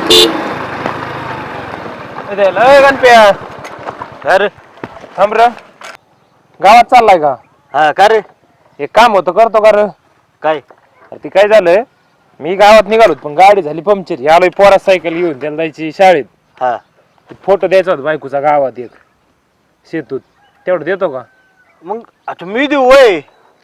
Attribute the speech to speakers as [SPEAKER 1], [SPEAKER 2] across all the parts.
[SPEAKER 1] गणप्या
[SPEAKER 2] अरे
[SPEAKER 1] थांब र गावात चाललाय का?
[SPEAKER 2] हा का रे?
[SPEAKER 1] एक काम होतं करतो का र?
[SPEAKER 2] काय?
[SPEAKER 1] ती काय झालं, मी गावात निघालो पण गाडी झाली पंक्चर. आलोय पोरा सायकल घेऊन, त्याला जायची शाळेत.
[SPEAKER 2] हा
[SPEAKER 1] फोटो द्यायचा होता बायकोचा गावात एक शेतूत, तेवढं देतो का?
[SPEAKER 2] मग आता मी देऊ वय.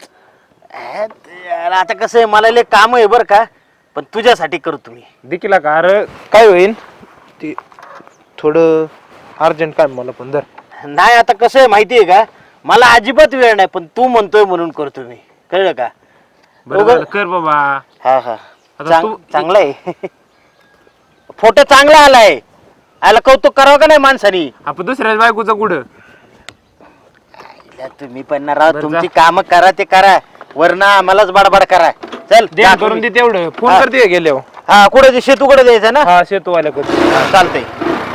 [SPEAKER 2] आता कसं आहे, मला लय काम आहे बरं का, पण तुझ्यासाठी करतो मी.
[SPEAKER 1] देखील का? अरे काय होईल ते थोडं अर्जंट काम मला पण. धर.
[SPEAKER 2] नाही आता कसं आहे माहिती आहे का, मला अजिबात वेळ नाही, पण तू म्हणतोय म्हणून करतो मी. कळलं का?
[SPEAKER 1] बरोबर कर बाबा.
[SPEAKER 2] हा हा
[SPEAKER 1] आता तू
[SPEAKER 2] चांगला आहे. फोटो चांगला आलाय. आला कौतुक करावं का नाही माणसानी?
[SPEAKER 1] आपण दुसऱ्या बायकोचं कुठं?
[SPEAKER 2] तुम्ही पण ना राव,
[SPEAKER 1] बरं
[SPEAKER 2] तुमची
[SPEAKER 1] जा.
[SPEAKER 2] काम करा ते करा, वरना आम्हालाच बडबड करा. चल
[SPEAKER 1] दे करून दे तेवढं. फोन
[SPEAKER 2] हा.
[SPEAKER 1] करते गेल्यावर.
[SPEAKER 2] हा कुठे शेतू कुठे द्यायचं ना?
[SPEAKER 1] हा शेतूवाल्या करते.
[SPEAKER 2] हा, चालतंय.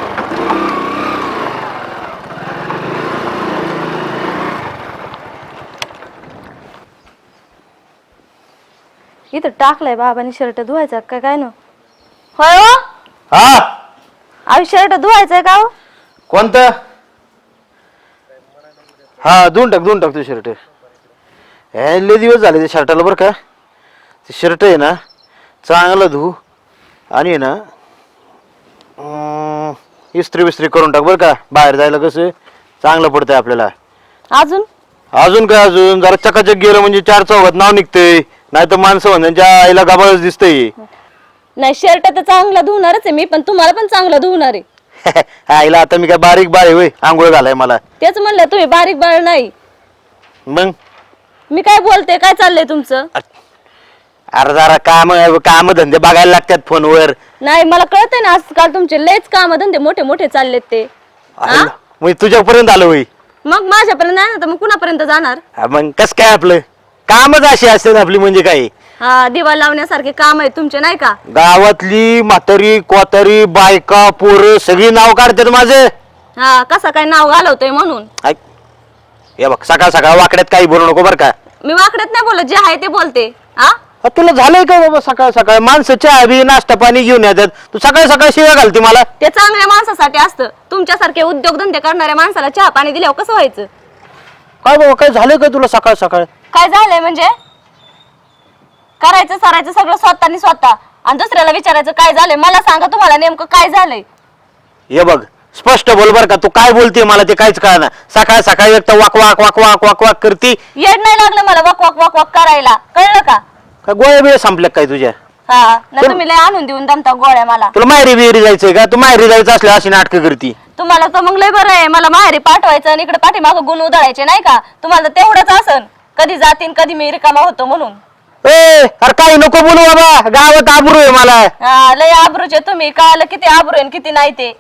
[SPEAKER 3] इथं टाकलाय बाबांनी शर्ट धुवायचा काय काय ना? होय हो,
[SPEAKER 2] हा
[SPEAKER 3] आम्ही शर्ट धुवायचंय का हो?
[SPEAKER 2] कोणतं? हा धुवून टाक तू शर्ट. लय दिवस झाले ते शर्टाला बरं का. ते शर्ट आहे ना चांगलं धु आणि आहे ना इस्त्री बिस्त्री करून टाक बरं का. बाहेर जायला कसं चांगलं पडतंय आपल्याला.
[SPEAKER 3] अजून
[SPEAKER 2] अजून काय, अजून जरा चकाचक गेलं म्हणजे चार चौघात नाव निघतंय, नाही तर माणसं म्हणण्याच्या आईला गाबाळच दिसतंय.
[SPEAKER 3] नाही शर्ट तर चांगला धुणारच आहे मी, पण तुम्हाला पण चांगलं धुणार आहे.
[SPEAKER 2] आईला आता मी काय बारीक बाळ आहे होय, आंघोळ घालाय मला.
[SPEAKER 3] तेच म्हणलं, तुम्ही बारीक बाळ नाही.
[SPEAKER 2] मग
[SPEAKER 3] मी काय बोलते, काय चाललंय तुमचं?
[SPEAKER 2] अरे जरा काम धंदे बघायला लागतात फोनवर.
[SPEAKER 3] नाही मला कळतंय ना, आजकाल तुमचे लयच काम धंदे मोठे मोठे चाललेत ते. हा?
[SPEAKER 2] मग तुझ्यापर्यंत आलो होई.
[SPEAKER 3] मग माझ्यापर्यंत नाही ना, तर मग कुणापर्यंत जाणार?
[SPEAKER 2] मग कस काय आपलं कामच अशी असते आपली, म्हणजे काय.
[SPEAKER 3] हा दिवा लावण्यासारखे काम आहे तुमचे नाही का?
[SPEAKER 2] गावातली म्हातारी कोतारी बायका पोरं सगळी नाव काढतात माझं.
[SPEAKER 3] हा कसं काय नाव घालवतोय म्हणून?
[SPEAKER 2] ऐक, हे बघ सकाळ सकाळ वाकड्यात काही बोलू नको बरं का.
[SPEAKER 3] मी वाकड्यात नाही बोलत, जे आहे ते बोलते. हा
[SPEAKER 2] तुला झालंय का बाबा? सकाळ सकाळ माणसं चहा बी नाश्ता पाणी घेऊन येतात, तू सकाळ सकाळ शिव्या घालते मला.
[SPEAKER 3] ते चांगल्या माणसासाठी असतं. तुमच्यासारखे उद्योगधंदे करणाऱ्या माणसाला चहा पाणी दिल्यावर कसं व्हायचं?
[SPEAKER 2] काय बाबा, काय झालंय का तुला सकाळ सकाळ?
[SPEAKER 3] काय झालंय म्हणजे? करायचं सरायचं सगळं स्वतःनी स्वतः, आणि दुसऱ्याला विचारायचं काय झालंय. मला सांगा तुम्हाला नेमकं काय झालंय.
[SPEAKER 2] हे बघ स्पष्ट बोल बर का, तू काय बोलते मला ते काहीच कळना. सकाळ सकाळी एक तर वाक वाक वाक वाक वाक वाक करती.
[SPEAKER 3] येड नाही लागलं मला वक वक वक वक करायला, कळलं का?
[SPEAKER 2] काय गोळ्या बिळ्या संपल्या काय तुझ्या?
[SPEAKER 3] हा ना, तुम्ही लय आणून देऊन दमता गोळ्या मला.
[SPEAKER 2] तुला माहेरी बिहेरी जायचंय का? तू माहेरी जायचं असल्या अशी नाटकं करती.
[SPEAKER 3] तुम्हाला तर मग लय बरं आहे, मला माहेरी पाठवायचं आणि इकडे पाठीमागं गुण उधळायचे नाही का? तुम्हाला तर तेवढंच असन, कधी जातीन कधी मी रिकामा होतो म्हणून.
[SPEAKER 2] अरे काही नको बोलू बाबा, गावात आबरू आहे मला.
[SPEAKER 3] हा लय आबरूचे तुम्ही, कळालं किती आबरू आहे आणि किती नाही ते.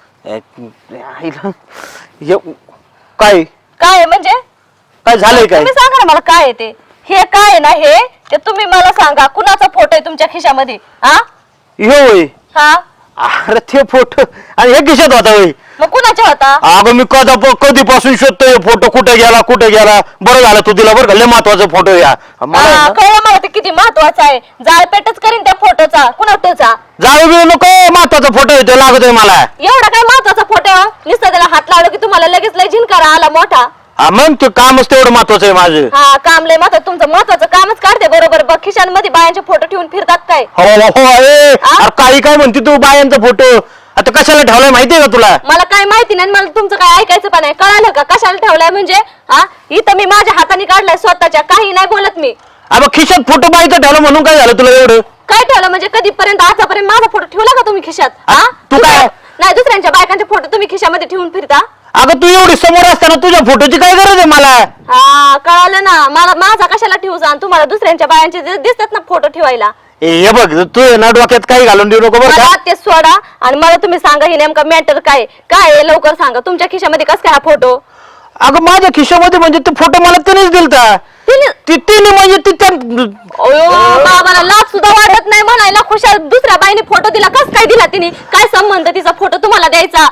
[SPEAKER 2] काय
[SPEAKER 3] काय आहे म्हणजे?
[SPEAKER 2] काय झालंय काय?
[SPEAKER 3] तुम्ही सांगा ना मला काय आहे ते. हे काय आहे ना, हे ते तुम्ही मला सांगा. कुणाचा फोटो आहे तुमच्या खिशामध्ये? हा
[SPEAKER 2] होय.
[SPEAKER 3] हा
[SPEAKER 2] अरे ते फोटो आणि हे खिशात होता होय.
[SPEAKER 3] मग कुणाचा होता?
[SPEAKER 2] अगं मी कधीपासून शोधतोय फोटो, कुठे गेला. बरं झालं तू दिला बरं का, लय महत्वाचा फोटो या मला.
[SPEAKER 3] कळलं मला ते किती महत्वाचं आहे. जाळपेटच करीन त्या फोटोचा. कुणाचा?
[SPEAKER 2] जाऊ बिऊ नको, महत्वाचा फोटो येतो लागतोय मला.
[SPEAKER 3] एवढा काय महत्वाचा फोटो? नुसतं त्याला हात लावलं की तुम्हाला लगेच लय झिनकारा आला मोठा.
[SPEAKER 2] हा मग ते कामच तेवढं महत्वाचं आहे माझं.
[SPEAKER 3] हा काम लय महत्वाचं, तुमचं महत्वाचं कामच काढते बरोबर. बघ खिशांमध्ये बायांचे फोटो ठेवून फिरतात काय?
[SPEAKER 2] हो अरे काही काय म्हणते तू बायांचा फोटो? आता कशाला ठेवलाय माहितीये का तुला?
[SPEAKER 3] मला काय माहिती नाही, मला तुमचं काय ऐकायचं पण नाही. कळालं का कशाला ठेवलाय म्हणजे? हा इथं मी माझ्या हाताने काढलाय स्वतःच्या, काही नाही बोलत मी.
[SPEAKER 2] अबे खिशात फोटो बाईचा ठेवला म्हणून काय झालं तुला एवढं?
[SPEAKER 3] काय ठेवलं म्हणजे? कधीपर्यंत आतापर्यंत माझा फोटो ठेवला का तुम्ही खिशात? हा
[SPEAKER 2] तू काय?
[SPEAKER 3] नाही दुसऱ्यांच्या बायकांचे फोटो तुम्ही खिशामध्ये ठेवून फिरता?
[SPEAKER 2] अगं तू एवढी समोर असताना तुझ्या फोटोची काय गरज आहे मला?
[SPEAKER 3] हा कळालं ना मला. माझा कशाला ठेवू जा? तुम्हाला दुसऱ्यांच्या बायांचे दिसतात ना फोटो ठेवायला.
[SPEAKER 2] हे बघ तू ना डोक्यात काही घालून देऊ नको बरं का.
[SPEAKER 3] मला ते सोडा आणि मला तुम्ही सांगा हे नेमका मॅटर काय आहे लवकर सांगा. तुमच्या खिशामध्ये कस काय हा फोटो?
[SPEAKER 2] अगं माझ्या खिशामध्ये म्हणजे ते फोटो मला तिनेच दिलता. तिने म्हणजे ती त्या
[SPEAKER 3] बाबाला लाज सुद्धा वाटत नाही म्हणायला. खुशाल दुसऱ्या बाईने फोटो दिला, कस काय दिला तिने? काय संबंध तिचा फोटो तुम्हाला द्यायचा?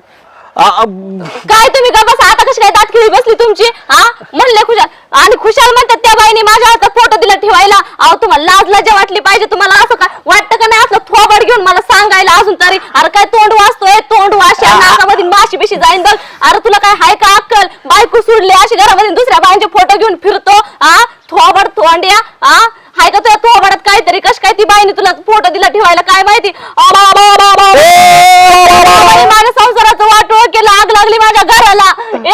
[SPEAKER 3] काय तुम्ही का बसा आता? कशी काय दाटखिळी बसली तुमची? हा म्हणले खुशाल आणि खुशाल म्हणतात त्या बाईने माझ्या हातात फोटो दिला ठेवायला. अहो तुम्हाला लाज लज्जा वाटली पाहिजे. तुम्हाला असं काय वाटतं का नाही? असलं थोबड घेऊन मला सांगायला अजून तरी. अरे काय तोंड वाचतोय, तोंड वाशा नाकामध्ये माशी बिशी जाईन बघ. अरे तुला काय हाय का अक्कल? बायको सोडली अशी घरामध्ये दुसऱ्या बायांचे फोटो घेऊन फिरतो. थोबड थोंड्या. हाय का तुझ्या थोबडात काहीतरी? कश काय ती बाईने तुला फोटो दिला ठेवायला काय माहिती? माझ्या संसाराचं वाटोळ केलं, आग लागली माझ्या घराला.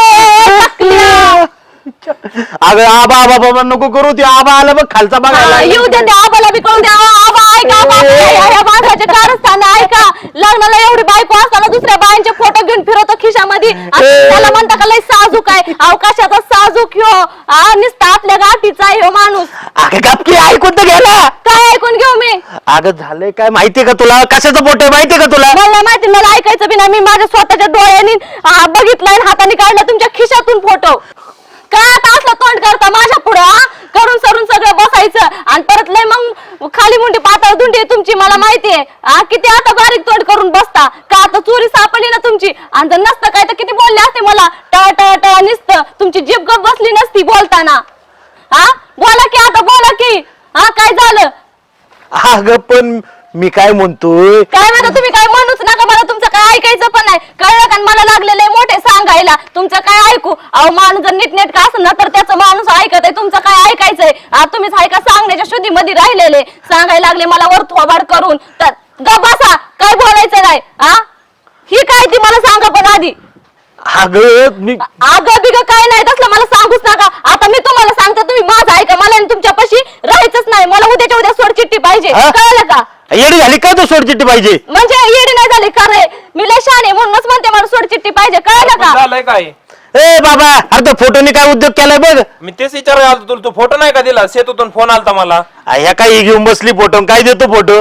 [SPEAKER 3] ए
[SPEAKER 2] अगं आबा आबा बाबा नको करू, ते आबा आला बघ खालचा बघायला.
[SPEAKER 3] येऊ दे, त्या आबाला बी कळून द्या. आबा ऐका, या माणसाचे कारस्थान ऐका. लग्नाला एवढी बायको असताना दुसऱ्या बायांचे फोटो घेऊन फिरवतो खिशामध्ये. त्याला म्हणता का लय साजूक आहे? अवकाशाचा साजूक ह्यो. नुसता आपल्या गाठीचा आहे ह्यो माणूस.
[SPEAKER 2] अगं गपकी ऐकून तर गेला.
[SPEAKER 3] काय ऐकून घेऊ मी?
[SPEAKER 2] अगं झालंय काय माहितीये का तुला? कशाचं फोटो आहे माहितीये का तुला?
[SPEAKER 3] मला माहिती, मला ऐकायचं बी नाही. मी माझ्या स्वतःच्या डोळ्यांनी बघितलंय, हाताने काढला तुमच्या खिशातून फोटो. काय आता असलं तोंड करता माझ्या पुढं? करून सरून सगळं बसायचं आणि परत लय मग खाली मुंडी पातळ धुंडी आहे तुमची, मला माहितीये. किती आता बारीक तोंड करून बसता का? आता चोरी सापडली ना तुमची. आणि जर नसतं काय तर किती बोलले असते मला. ट ट ट निसतं तुमची जीभ गप बसली नसती बोलताना. बोला की आता, बोला की. काय झालं?
[SPEAKER 2] अगं पण मी काय म्हणतोय,
[SPEAKER 3] काय म्हणता तुम्ही? काय म्हणूच नका मला, तुमचं काय ऐकायचं पण नाही. कळलं का? मला लागलेलं आहे मोठे सांगायला. तुमचं काय ऐकू? अहो माणूस जर नीटनेटका असेल ना तर त्याचं माणूस ऐकत आहे. तुमचं काय ऐकायचंय? तुम्हीच ऐका सांगण्याच्या शुद्धीमध्ये राहिलेले. सांगायला लागले मला वर थोबाड करून. तर गप बसा, काय बोलायचं नाही. ही काय ती मला सांगा पण आधी.
[SPEAKER 2] अगं मी
[SPEAKER 3] आगं बिग काय नाही तसलं मला सांगूच नका. आता मी तुम्हाला सांगतो, तुम्ही माझं ऐका. मला आणि तुमच्यापाशी राहायचंच नाही. मला उद्याच्या उद्या सोड चिठ्ठी पाहिजे. कळलं का?
[SPEAKER 2] येडी झाली का? तो सोडचिट्टी पाहिजे
[SPEAKER 3] म्हणजे येडी नाही झाली का रे? मी लय शहाणे म्हणूनच म्हणते मला सोड चिठ्ठी पाहिजे. कळलं का?
[SPEAKER 4] झालंय काय?
[SPEAKER 2] ए बाबा, अरे तो फोटोने काय उद्योग केलाय बघ.
[SPEAKER 4] मी तेच विचारायला आलो तुला. तू फोटो नाही का दिला? सेतूतून फोन आलता मला.
[SPEAKER 2] ह्या काय घेऊन बसली फोटो? काय देतो फोटो?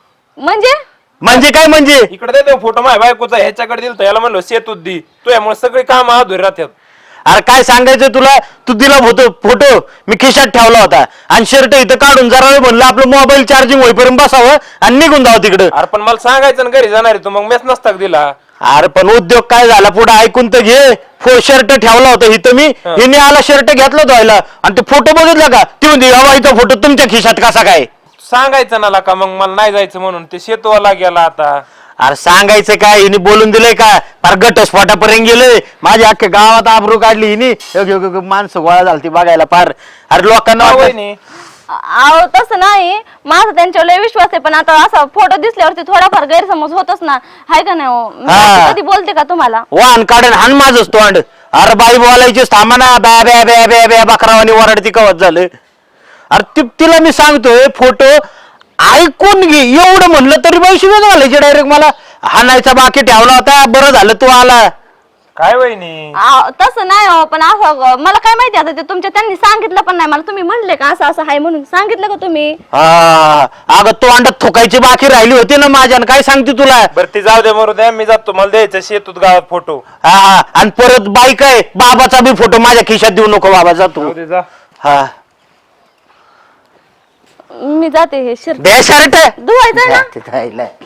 [SPEAKER 2] म्हणजे काय म्हणजे?
[SPEAKER 4] इकडे देतो फोटो माझ्या बायकोचा, ह्याच्याकडे दिलतो. याला म्हणलो सेतूत दी. तुझ्यामुळे सगळी काम अधुरी राहतात.
[SPEAKER 2] अरे काय सांगायचं तुला? तू दिला फोटो मी खिशात ठेवला होता आणि शर्ट इथं काढून जरा वेळ म्हणलं आपलं मोबाईल चार्जिंग होईपर्यंत बसावं आणि निघून जावं तिकडं.
[SPEAKER 4] अरे पण मला सांगायचं ना घरी जाणार आहे तू, मग मेस नसता का दिला.
[SPEAKER 2] अरे पण उद्योग काय झाला पुढे ऐकून तर घे. शर्ट ठेवला होता इथं मी, हिने आला शर्ट घेतला धुवायला आणि ते फोटो बघितला का? ती म्हणते हवा इथं फोटो तुमच्या खिशात कसा काय?
[SPEAKER 4] सांगायचं ना का मग मला नाही जायचं म्हणून. ते सेतूवाला गेला आता.
[SPEAKER 2] अरे सांगायचं काय? हिने बोलून दिलंय का? फार घटस्फोटापर्यंत गेलंय. माझ्या अख्ख्या गावात आबरू काढली हिने. माणसं गोळा झालती बघायला फार. अरे लोकांना
[SPEAKER 4] का
[SPEAKER 2] वाटलं-
[SPEAKER 4] वहिनी?
[SPEAKER 3] अहो तसं नाही, माझा त्यांच्यावर लय विश्वास आहे. पण आता असा फोटो दिसल्यावरती थोडाफार गैरसमज होतच ना, हाय का नाही? हो मी असं कधी बोलते का तुम्हाला?
[SPEAKER 2] वाहन काढून हान माझंच तोंड. अरे बाई बोलायची थांबाना. बॅ बॅ बॅ बॅ बॅ बकरावानी वरडती कवत झालं. अरे तिला मी सांगतोय फोटो ऐकून घे एवढं म्हणलं तरी पैसे घालायचे डायरेक्ट. मला हाणायचा बाकी ठेवला होता. बरं झालं तू आला.
[SPEAKER 4] काय वहिनी?
[SPEAKER 3] तसं नाही हो, पण असं मला काय माहिती. आता ते तुमच्या त्यांनी सांगितलं पण नाही मला. तुम्ही म्हणले का असं असं आहे म्हणून? सांगितलं का तुम्ही?
[SPEAKER 2] अगं तोंडात थुकायची बाकी राहिली होती ना माझ्या. काय सांगते तुला?
[SPEAKER 4] बरं ती जाऊ दे मरू द्या. मी जातो, मला द्यायचं शेतूत गावात फोटो.
[SPEAKER 2] आणि परत बाई काय बाबाचा बी फोटो माझ्या खिशात देऊ नको बाबा. जातो.
[SPEAKER 4] जाऊ दे जा.
[SPEAKER 2] हा
[SPEAKER 3] मी जाते. हे शिर
[SPEAKER 2] बे शर्ट
[SPEAKER 3] धुवायचं ना.
[SPEAKER 2] राहिलाय.